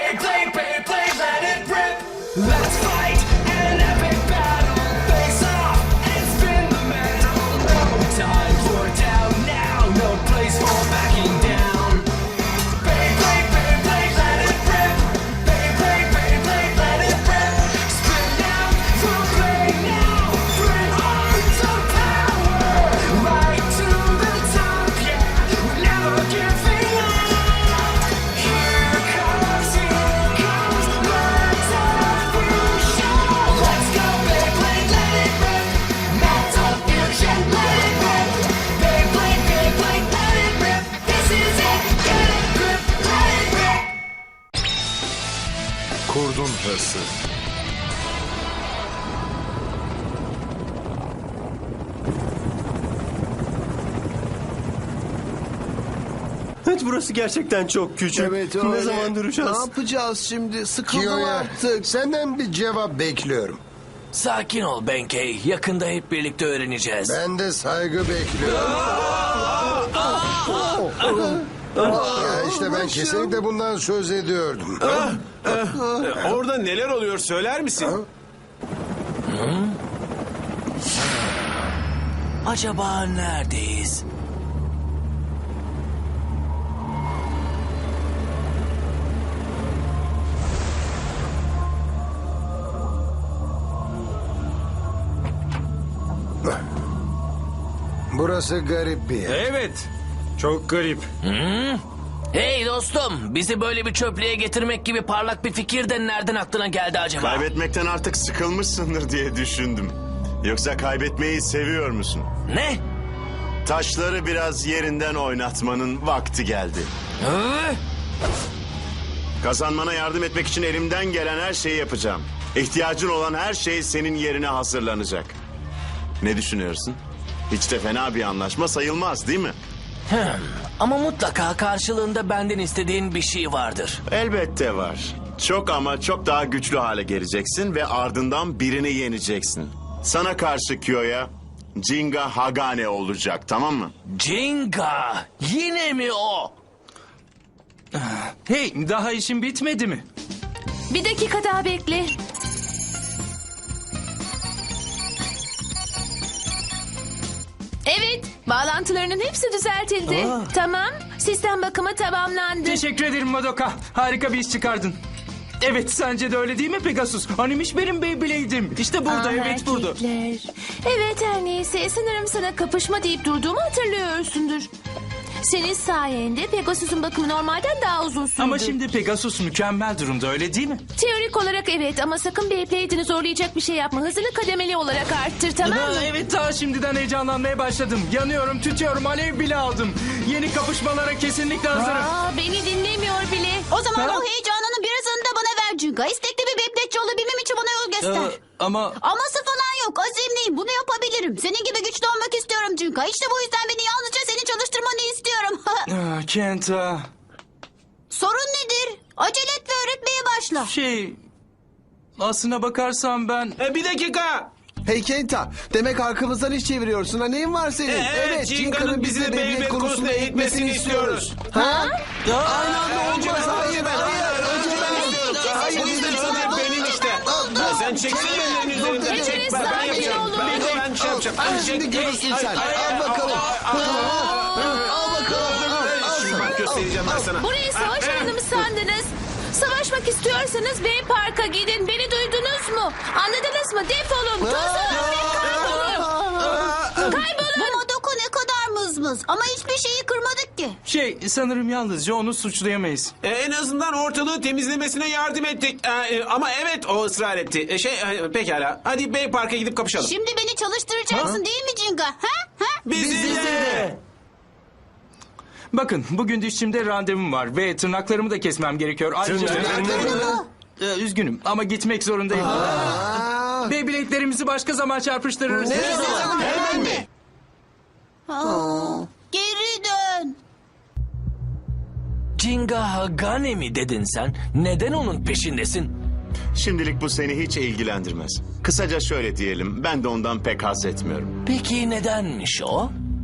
Beyblade, Beyblade, let it rip. Let's fight an epic battle. Face off and spin the metal. No time for down now. No place for backing down. Beyblade, Beyblade, let it rip. Beyblade, Beyblade, let it rip. Spin out for play now. Bring on some power. Right to the top, yeah. We're never giving up. Here comes, let's fusion. Let's go, Beyblade, let it rip. Metal fusion, let it rip. Beyblade, Beyblade, let it rip. This is it, get it, grip, let it rip. Kurdun hırsı. Evet, burası gerçekten çok küçük. Evet Ne öyle. zaman Ne duracağız? yapacağız şimdi? Sıkıldım Kiyo'ya artık. senden bir cevap bekliyorum. Sakin ol Benkei. Yakında hep birlikte öğreneceğiz. Ben de saygı bekliyorum. Ya işte ben kesinlikle bundan söz ediyordum. Orada neler oluyor söyler misin? Acaba neredeyiz? Burası garip bir yer. Evet. Çok garip. Hey dostum, bizi böyle bir çöplüğe getirmek gibi parlak bir fikir de nereden aklına geldi acaba? Kaybetmekten artık sıkılmışsındır diye düşündüm. Yoksa kaybetmeyi seviyor musun? Ne? Taşları biraz yerinden oynatmanın vakti geldi. Hı? Kazanmana yardım etmek için elimden gelen her şeyi yapacağım. İhtiyacın olan her şey senin yerine hazırlanacak. Ne düşünüyorsun? Hiç de fena bir anlaşma sayılmaz değil mi? Ama mutlaka karşılığında benden istediğin bir şey vardır. Elbette var. Çok ama çok daha güçlü hale geleceksin ve ardından birini yeneceksin. Sana karşı Kiyo'ya Jinga Hagane olacak, tamam mı? Jinga! Yine mi o? Hey, daha işin bitmedi mi? Bir dakika daha bekle. Evet, bağlantılarının hepsi düzeltildi. Tamam, sistem bakımı tamamlandı. Teşekkür ederim Madoka. Harika bir iş çıkardın. Evet, sence de öyle değil mi Pegasus? Hanimiş benim Beyblade'im. İşte burada, evet burada. Erkekler. Evet, her neyse, sanırım sana kapışma deyip durduğumu hatırlıyorsundur. Senin sayende Pegasus'un bakımı normalden daha uzun sürdü. Ama şimdi Pegasus mükemmel durumda, öyle değil mi? Teorik olarak evet ama sakın Beyblade'ini zorlayacak bir şey yapma. Hızını kademeli olarak arttır, tamam mı? Evet, daha şimdiden heyecanlanmaya başladım. Yanıyorum, tütüyorum, alev bile aldım. Yeni kapışmalara kesinlikle hazırım. Beni dinlemiyor bile. O zaman Ha? o heyecanının birazını da bana ver Cinga. İstekli bir bebekçi olabilmem için bana yol göster. Ama Aması falan yok. Azimliyim. Bunu yapabilirim. Senin gibi güçlü olmak istiyorum Cinga. İşte bu yüzden beni yalnızca seni çalıştırmanı istiyorum. Kenta, Sorun nedir? Acele et ve öğretmeye başla. aslına bakarsam ben... Bir dakika! Hey Kenta, demek arkamızdan iş çeviriyorsun ha, neyin var senin? Evet, Cinga'nın bizi de Beyblade konusunda eğitmesini istiyoruz. Ha? Aynı anda olmaz, hayır, hayır. Önce ben. Hayır, Benim işte. Sen çeksin ellerini üzerinden. Hepiniz sakin olun. Ben şey yapacağım. Al şimdi görürsün sen. Al bakalım. Al bakalım. Şimdi bak göstereceğim ben sana. Burayı savaş alanı mı sandınız? Savaşmak istiyorsanız Bey Park'a gidin. Beni duydunuz mu? Anladınız mı? Defolun. Tozlanın ve kaybolun. Kaybolun. Bu Madoka ne kadar mızmız. Ama hiçbir şeyi kırmadık ki. Sanırım yalnızca onu suçlayamayız. En azından ortalığı temizlemesine yardım ettik. Ama evet o ısrar etti. Pekala. Hadi Bey Park'a gidip kapışalım. Şimdi beni çalıştıracaksın değil mi Cinga? Ha? Bizi Bakın, bugün dişçimde randevum var ve tırnaklarımı da kesmem gerekiyor. Ayrıca... Üzgünüm ama gitmek zorundayım. Beyblade'lerimizi başka zaman çarpıştırırız. Hemen mi? Geri dön. Jinga Hagane mi dedin sen? Neden onun peşindesin? Şimdilik bu seni hiç ilgilendirmez. Kısaca şöyle diyelim. Ben de ondan pek haz etmiyorum. Peki nedenmiş o?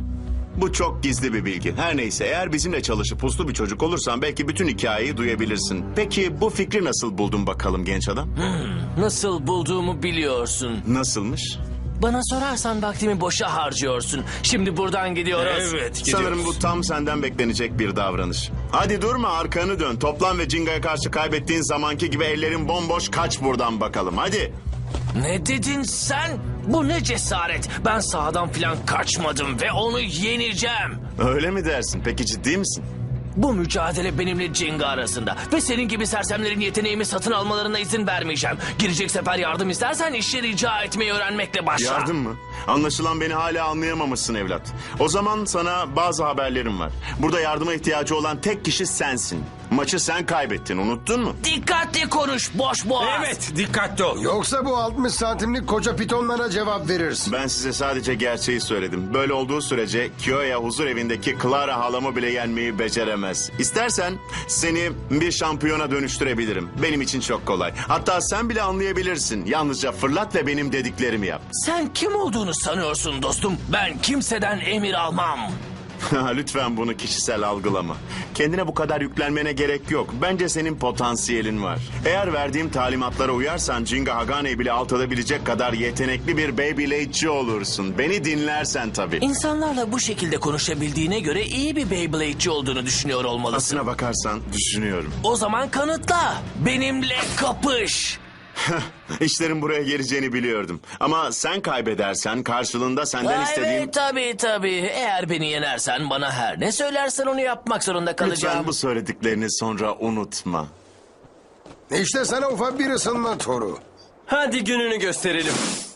Bu çok gizli bir bilgi. Her neyse, eğer bizimle çalışıp uslu bir çocuk olursan belki bütün hikayeyi duyabilirsin. Peki bu fikri nasıl buldun bakalım genç adam? Nasıl bulduğumu biliyorsun. Nasılmış? Bana sorarsan vaktimi boşa harcıyorsun. Şimdi buradan gidiyoruz. Evet, Sanırım bu tam senden beklenecek bir davranış. Hadi durma, arkanı dön. Toplan ve Jinga'ya karşı kaybettiğin zamanki gibi ellerin bomboş, kaç buradan bakalım. Hadi. Ne dedin sen? Bu ne cesaret? Ben sahadan falan kaçmadım ve onu yeneceğim. Öyle mi dersin? Peki ciddi misin? Bu mücadele benimle Jinga arasında. Ve senin gibi sersemlerin yeteneğimi satın almalarına izin vermeyeceğim. Girecek sefer yardım istersen işi rica etmeyi öğrenmekle başla. Yardım mı? Anlaşılan beni hala anlayamamışsın evlat. O zaman sana bazı haberlerim var. Burada yardıma ihtiyacı olan tek kişi sensin. Maçı sen kaybettin, unuttun mu? Dikkatli konuş boş boğaz. Evet, dikkatli ol. Yoksa bu 60 santimlik koca pitonlara cevap verirsin. Ben size sadece gerçeği söyledim. Böyle olduğu sürece Kyoya huzur evindeki Clara halamı bile yenmeyi beceremez. İstersen seni bir şampiyona dönüştürebilirim. Benim için çok kolay. Hatta sen bile anlayabilirsin. Yalnızca fırlat ve benim dediklerimi yap. Sen kim olduğunu sanıyorsun dostum? Ben kimseden emir almam. Lütfen bunu kişisel algılama. Kendine bu kadar yüklenmene gerek yok. Bence senin potansiyelin var. Eğer verdiğim talimatlara uyarsan Jinga Hagane'yi bile alt edebilecek kadar yetenekli bir Beyblade'ci olursun. Beni dinlersen tabii. İnsanlarla bu şekilde konuşabildiğine göre iyi bir Beyblade'ci olduğunu düşünüyor olmalısın. Aslına bakarsan düşünüyorum. O zaman kanıtla. Benimle kapış. İşlerin buraya geleceğini biliyordum. Ama sen kaybedersen karşılığında senden istediğim... Evet tabii. Eğer beni yenersen bana her ne söylersen onu yapmak zorunda kalacağım. Lütfen bu söylediklerini sonra unutma. İşte sana ufak bir ısınma toru. Hadi gününü gösterelim.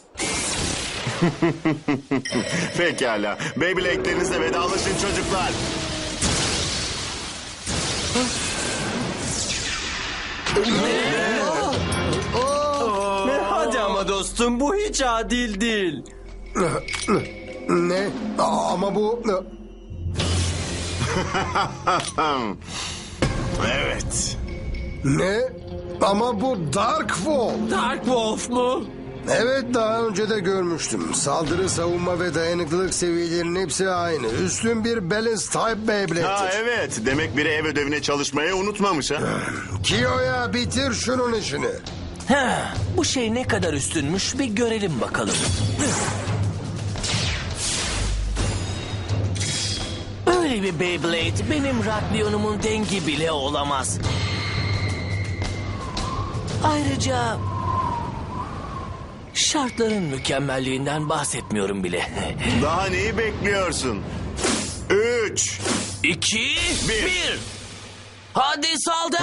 Pekala. Beyblade'lerinizle vedalaşın çocuklar. Hadi ama dostum, bu hiç adil değil. Ne? Ama bu... Evet. Ne? Ama bu Dark Wall. Dark Wolf mu? Evet, daha önce de görmüştüm. Saldırı, savunma ve dayanıklılık seviyelerinin hepsi aynı. Üstün bir Balance Type Beyblade'dir. Ha evet. Demek biri ev ödevine çalışmayı unutmamış ha. Kiyo'ya bitir şunun işini. Bu şey ne kadar üstünmüş bir görelim bakalım. Öyle bir Beyblade benim Raklion'umun dengi bile olamaz. Ayrıca şartların mükemmelliğinden bahsetmiyorum bile. Daha neyi bekliyorsun? 3. 2, 1. Hadi saldır.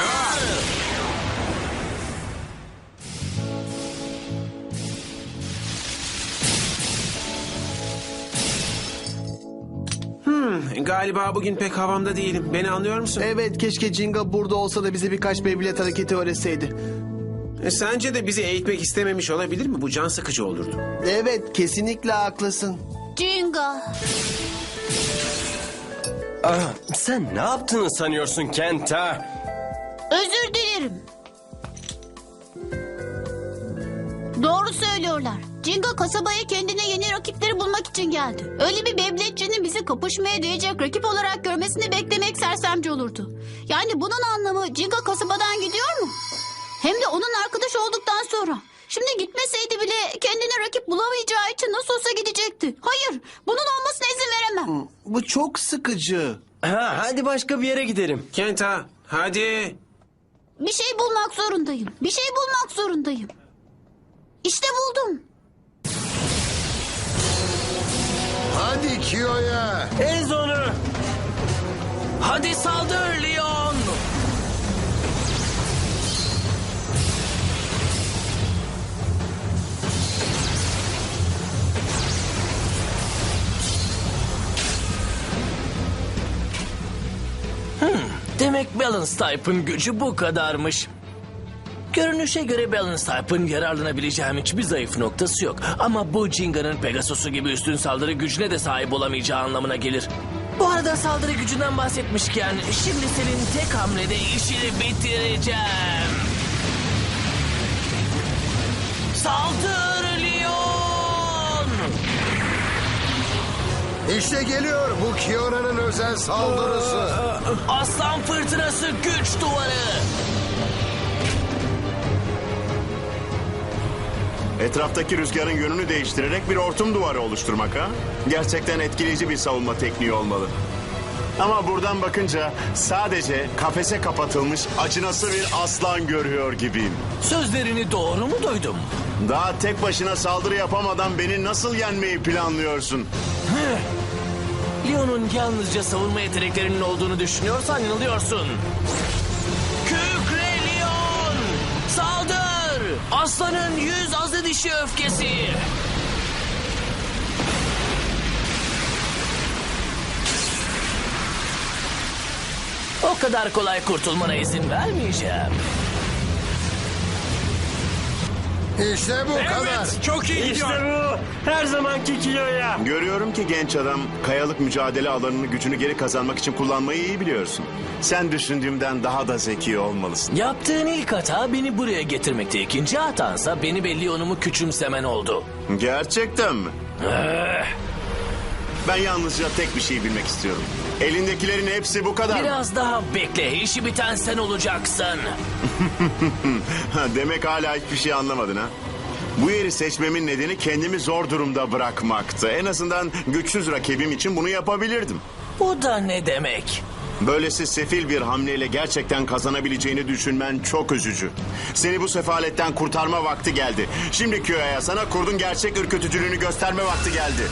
Galiba bugün pek havamda değilim. Beni anlıyor musun? Evet, keşke Jinga burada olsa da bize birkaç Beyblade hareketi öğretseydi. Sence de bizi eğitmek istememiş olabilir mi? Bu can sıkıcı olurdu. Evet, kesinlikle haklısın. Jinga. Sen ne yaptığını sanıyorsun Kent ha? Özür dilerim. Doğru söylüyorlar. Jinga kasabaya kendine yeni rakipleri bulmak için geldi. Öyle bir Beyblade'cinin bizi kapışmaya değecek rakip olarak görmesini beklemek sersemce olurdu. Yani bunun anlamı Jinga kasabadan gidiyor mu? Hem de onun arkadaş olduktan sonra. Şimdi gitmeseydi bile kendine rakip bulamayacağı için nasıl olsa gidecekti. Hayır, bunun olmasına izin veremem. Bu çok sıkıcı. Hadi başka bir yere gidelim. Kenta, hadi. Bir şey bulmak zorundayım. Bir şey bulmak zorundayım. İşte buldum. Hadi Kiyo'ya. Ez onu. Hadi saldır Leon. Demek Balance Type'ın gücü bu kadarmış. Görünüşe göre Balance Type'ın yararlanabileceğim hiçbir zayıf noktası yok. Ama bu Jinga'nın Pegasus'u gibi üstün saldırı gücüne de sahip olamayacağı anlamına gelir. Bu arada saldırı gücünden bahsetmişken şimdi senin tek hamlede işini bitireceğim. Saldır Leon! İşte geliyor bu Kiora'nın özel saldırısı. Aslan fırtınası güç duvarı. Etraftaki rüzgarın yönünü değiştirerek bir hortum duvarı oluşturmak ha? Gerçekten etkileyici bir savunma tekniği olmalı. Ama buradan bakınca sadece kafese kapatılmış acınası bir aslan görüyor gibiyim. Sözlerini doğru mu duydum? Daha tek başına saldırı yapamadan beni nasıl yenmeyi planlıyorsun? Leon'un yalnızca savunma yeteneklerinin olduğunu düşünüyorsan yanılıyorsun. Kükre Leon! Saldır! Aslanın 100 azı dişi öfkesi! O kadar kolay kurtulmana izin vermeyeceğim. İşte bu kadar. Çok iyi gidiyor. Her zamanki kiloya. Görüyorum ki genç adam kayalık mücadele alanını gücünü geri kazanmak için kullanmayı iyi biliyorsun. Sen düşündüğümden daha da zeki olmalısın. Yaptığın ilk hata beni buraya getirmekte. İkinci hatansa beni ve Leon'umu küçümsemen oldu. Gerçekten mi? Ben yalnızca tek bir şey bilmek istiyorum. Elindekilerin hepsi bu kadar mı? Biraz daha bekle. İşi biten sen olacaksın. Demek hala hiçbir şey anlamadın ha? Bu yeri seçmemin nedeni kendimi zor durumda bırakmaktı. En azından güçsüz rakibim için bunu yapabilirdim. Bu da ne demek? Böylesi sefil bir hamleyle gerçekten kazanabileceğini düşünmen çok üzücü. Seni bu sefaletten kurtarma vakti geldi. Şimdi Kyo'ya sana kurdun gerçek ürkütücülüğünü gösterme vakti geldi.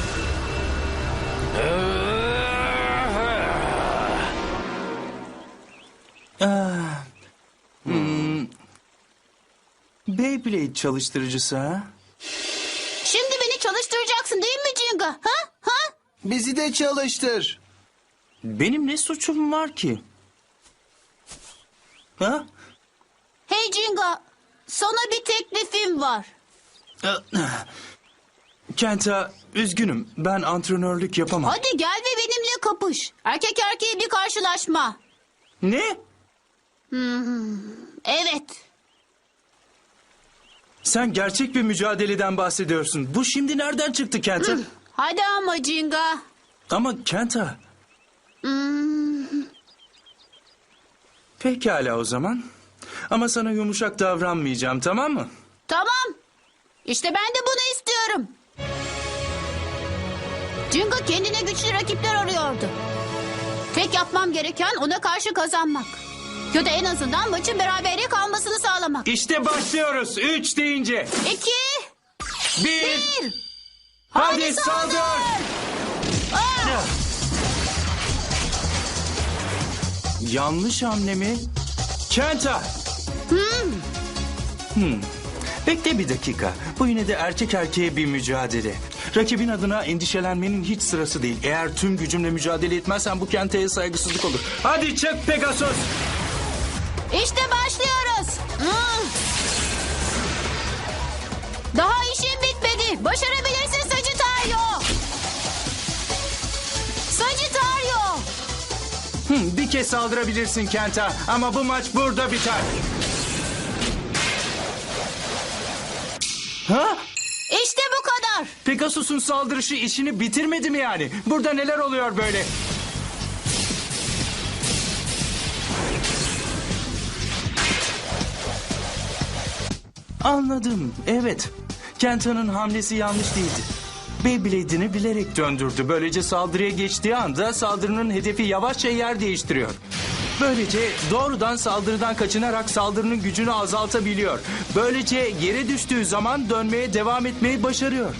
Beyblade çalıştırıcısı ha? Şimdi beni çalıştıracaksın değil mi Jinga? Ha? Ha? Bizi de çalıştır. Benim ne suçum var ki? Ha? Hey Jinga, sana bir teklifim var. Kenta, üzgünüm. Ben antrenörlük yapamam. Hadi gel ve benimle kapış. Erkek erkeğe bir karşılaşma. Ne? Evet. Sen gerçek bir mücadeleden bahsediyorsun. Bu şimdi nereden çıktı Kenta? Hadi ama Jinga. Ama Kenta. Pekala o zaman. Ama sana yumuşak davranmayacağım, tamam mı? Tamam. İşte ben de bunu istiyorum. Jinga kendine güçlü rakipler arıyordu. Tek yapmam gereken ona karşı kazanmak. Ya da en azından maçın berabere kalmasını sağlamak. İşte başlıyoruz. 3 deyince. 2, 1. 1. Hadi saldır. Yanlış hamle mi? Kenta. Bekle bir dakika. Bu yine de erkek erkeğe bir mücadele. Rakibin adına endişelenmenin hiç sırası değil. Eğer tüm gücümle mücadele etmezsen bu Kenta'ya saygısızlık olur. Hadi çık Pegasus. İşte başlıyoruz. Daha işim bitmedi. Başarabilirsin Sagittario. Sagittario. Bir kez saldırabilirsin Kenta. Ama bu maç burada biter. Ha? İşte bu kadar. Pegasus'un saldırışı işini bitirmedi mi yani? Burada neler oluyor böyle? Anladım. Evet. Kenta'nın hamlesi yanlış değildi. Beyblade'ini bilerek döndürdü. Böylece saldırıya geçtiği anda saldırının hedefi yavaşça yer değiştiriyor. Böylece doğrudan saldırıdan kaçınarak saldırının gücünü azaltabiliyor. Böylece yere düştüğü zaman dönmeye devam etmeyi başarıyor.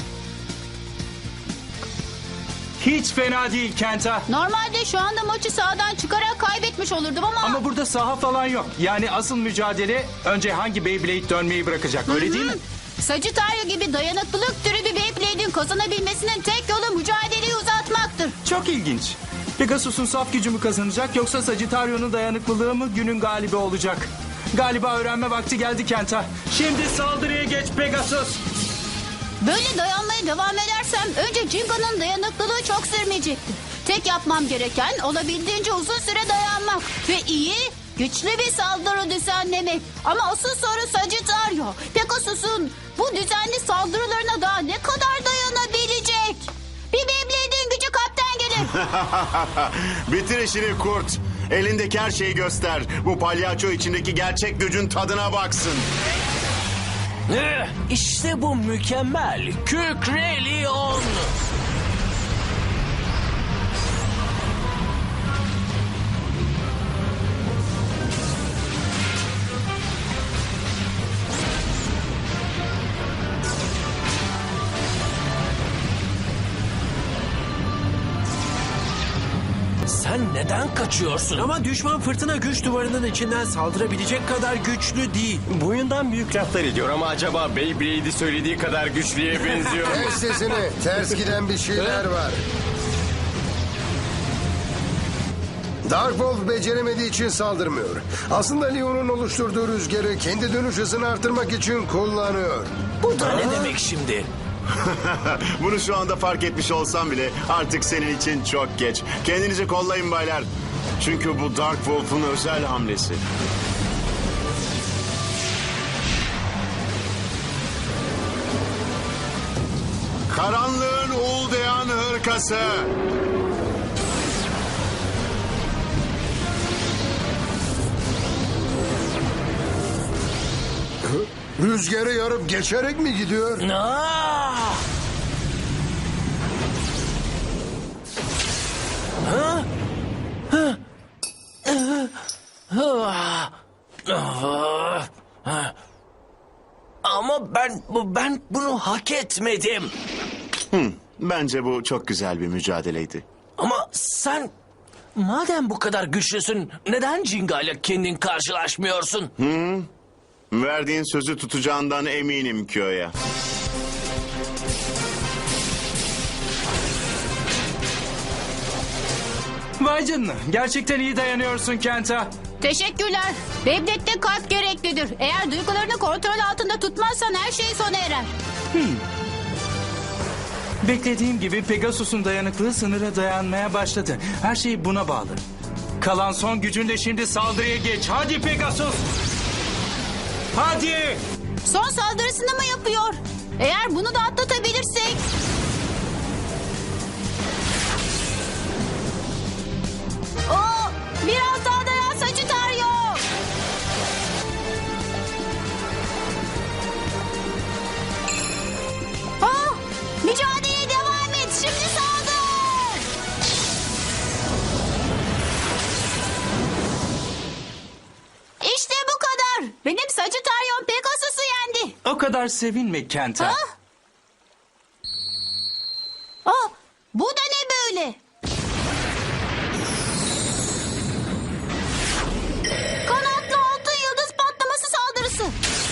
Hiç fena değil Kenta. Normalde şu anda maçı sahadan çıkarak kaybetmiş olurdum ama... Ama burada saha falan yok. Yani asıl mücadele önce hangi Beyblade dönmeyi bırakacak, öyle değil mi? Sagittario gibi dayanıklılık türü bir Beyblade'in kazanabilmesinin tek yolu mücadeleyi uzatmaktır. Çok ilginç. Pegasus'un saf gücü mü kazanacak yoksa Sagittario'nun dayanıklılığı mı günün galibi olacak? Galiba öğrenme vakti geldi Kenta. Şimdi saldırıya geç Pegasus. Böyle dayanmaya devam edersem önce Jinga'nın dayanıklılığı çok sürmeyecektir. Tek yapmam gereken olabildiğince uzun süre dayanmak ve iyi, güçlü bir saldırı düzenlemek. Ama asıl soru Sagittario. Pegasus'un bu düzenli saldırılarına daha ne kadar dayanabilecek? Bir Beyblade'in gücü kapten Bitir işini kurt. Elindeki her şeyi göster. Bu palyaço içindeki gerçek gücün tadına baksın. İşte bu mükemmel. Kükrelion. Sen neden kaçıyorsun? Ama düşman fırtına güç duvarının içinden saldırabilecek kadar güçlü değil. Boyundan büyük laflar ediyor ama acaba Beyblade'i söylediği kadar güçlüye benziyor mu? Kes sesini. Ters giden bir şeyler var. Dark Wolf beceremediği için saldırmıyor. Aslında Leon'un oluşturduğu rüzgarı kendi dönüş hızını artırmak için kullanıyor. Bu da ne demek şimdi? Bunu şu anda fark etmiş olsam bile artık senin için çok geç. Kendinizi kollayın baylar. Çünkü bu Dark Wolf'un özel hamlesi. Karanlığın uğuldayan hırkası. Rüzgarı yarıp geçerek mi gidiyor? Aa! Ha? Ha? Ama ben bunu hak etmedim. Bence bu çok güzel bir mücadeleydi. Ama sen madem bu kadar güçlüsün neden Jinga ile kendin karşılaşmıyorsun? Verdiğin sözü tutacağından eminim Kyo'ya. Vay canına. Gerçekten iyi dayanıyorsun Kenta. Teşekkürler. Beyblade'de kalp gereklidir. Eğer duygularını kontrol altında tutmazsan her şey sona erer. Beklediğim gibi Pegasus'un dayanıklığı sınıra dayanmaya başladı. Her şey buna bağlı. Kalan son gücünle şimdi saldırıya geç. Hadi Pegasus. Hadi. Son saldırısını mı yapıyor? Eğer bunu da atlatabilirsek... Oo, biraz daha dayan Sagittario. Ah, mücadeleye devam et. Şimdi saldır. İşte bu kadar. Benim Sagittarion Pegasus'u yendi. O kadar sevinme Kenta. Ah! Ah, bu da ne böyle? Kanatlı altın yıldız patlaması saldırısı.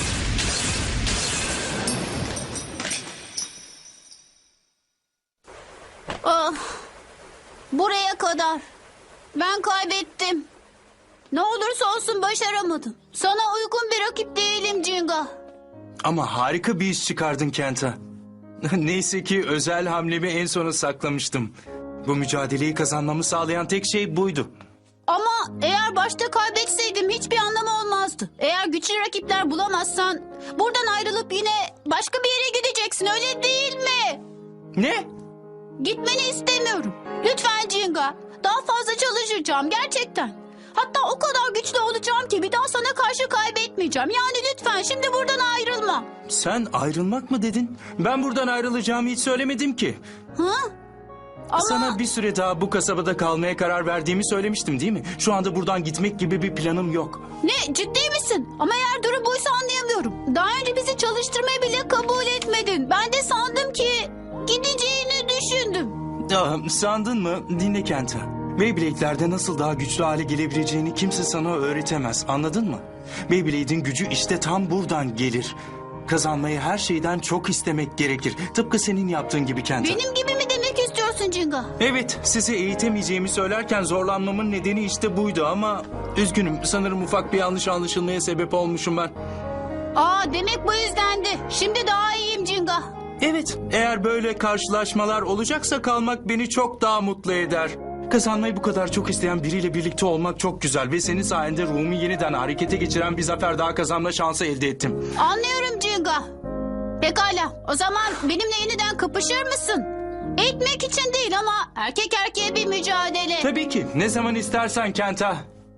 Ah, buraya kadar. Ben kaybettim. Ne olursa olsun başaramadım. Sana uygun bir rakip değilim Jinga. Ama harika bir iş çıkardın Kenta. Neyse ki özel hamlemi en sona saklamıştım. Bu mücadeleyi kazanmamı sağlayan tek şey buydu. Ama eğer başta kaybetseydim hiçbir anlamı olmazdı. Eğer güçlü rakipler bulamazsan buradan ayrılıp yine başka bir yere gideceksin öyle değil mi? Ne? Gitmeni istemiyorum. Lütfen Jinga. Daha fazla çalışacağım gerçekten. Hatta o kadar güçlü olacağım ki bir daha sana karşı kaybetmeyeceğim. Yani lütfen şimdi buradan ayrılma. Sen ayrılmak mı dedin? Ben buradan ayrılacağımı hiç söylemedim ki. Hı? Ama Sana bir süre daha bu kasabada kalmaya karar verdiğimi söylemiştim değil mi? Şu anda buradan gitmek gibi bir planım yok. ne ciddi misin? Ama eğer durum buysa anlayamıyorum. Daha önce bizi çalıştırmayı bile kabul etmedin. Ben de sandım ki gideceğini düşündüm. Sandın mı? Dinle Kenta. Beyblade'lerde nasıl daha güçlü hale gelebileceğini kimse sana öğretemez. Anladın mı? Beyblade'in gücü işte tam buradan gelir. Kazanmayı her şeyden çok istemek gerekir. Tıpkı senin yaptığın gibi Kenta. Benim gibi mi demek istiyorsun Jinga? Evet, sizi eğitemeyeceğimi söylerken zorlanmamın nedeni işte buydu ama... Üzgünüm, sanırım ufak bir yanlış anlaşılmaya sebep olmuşum ben. Aa demek bu yüzdendi. Şimdi daha iyiyim Jinga. Evet, eğer böyle karşılaşmalar olacaksa kalmak beni çok daha mutlu eder. Kazanmayı bu kadar çok isteyen biriyle birlikte olmak çok güzel ve senin sayende ruhumu yeniden harekete geçiren bir zafer daha kazanma şansı elde ettim. Anlıyorum Jinga. Pekala o zaman benimle yeniden kapışır mısın? Eğitmek için değil ama erkek erkeğe bir mücadele. Tabii ki. Ne zaman istersen Kenta.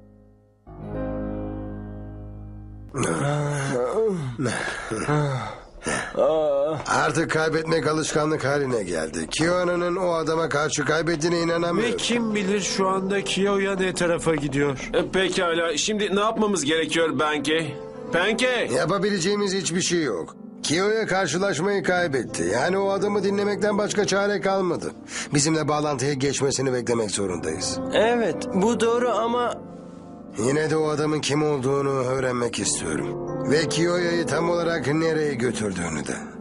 Artık kaybetmek alışkanlık haline geldi. Kiyo'nun o adama karşı kaybettiğine Ve inanamıyorum. kim bilir şu anda Kiyo'ya ne tarafa gidiyor. Pekala. Şimdi ne yapmamız gerekiyor Benkei? Benkei! Yapabileceğimiz hiçbir şey yok. Kiyo'ya karşılaşmayı kaybetti. Yani o adamı dinlemekten başka çare kalmadı. Bizimle bağlantıya geçmesini beklemek zorundayız. Evet, bu doğru ama Yine de o adamın kim olduğunu öğrenmek istiyorum. Ve Kiyo'yu tam olarak nereye götürdüğünü de.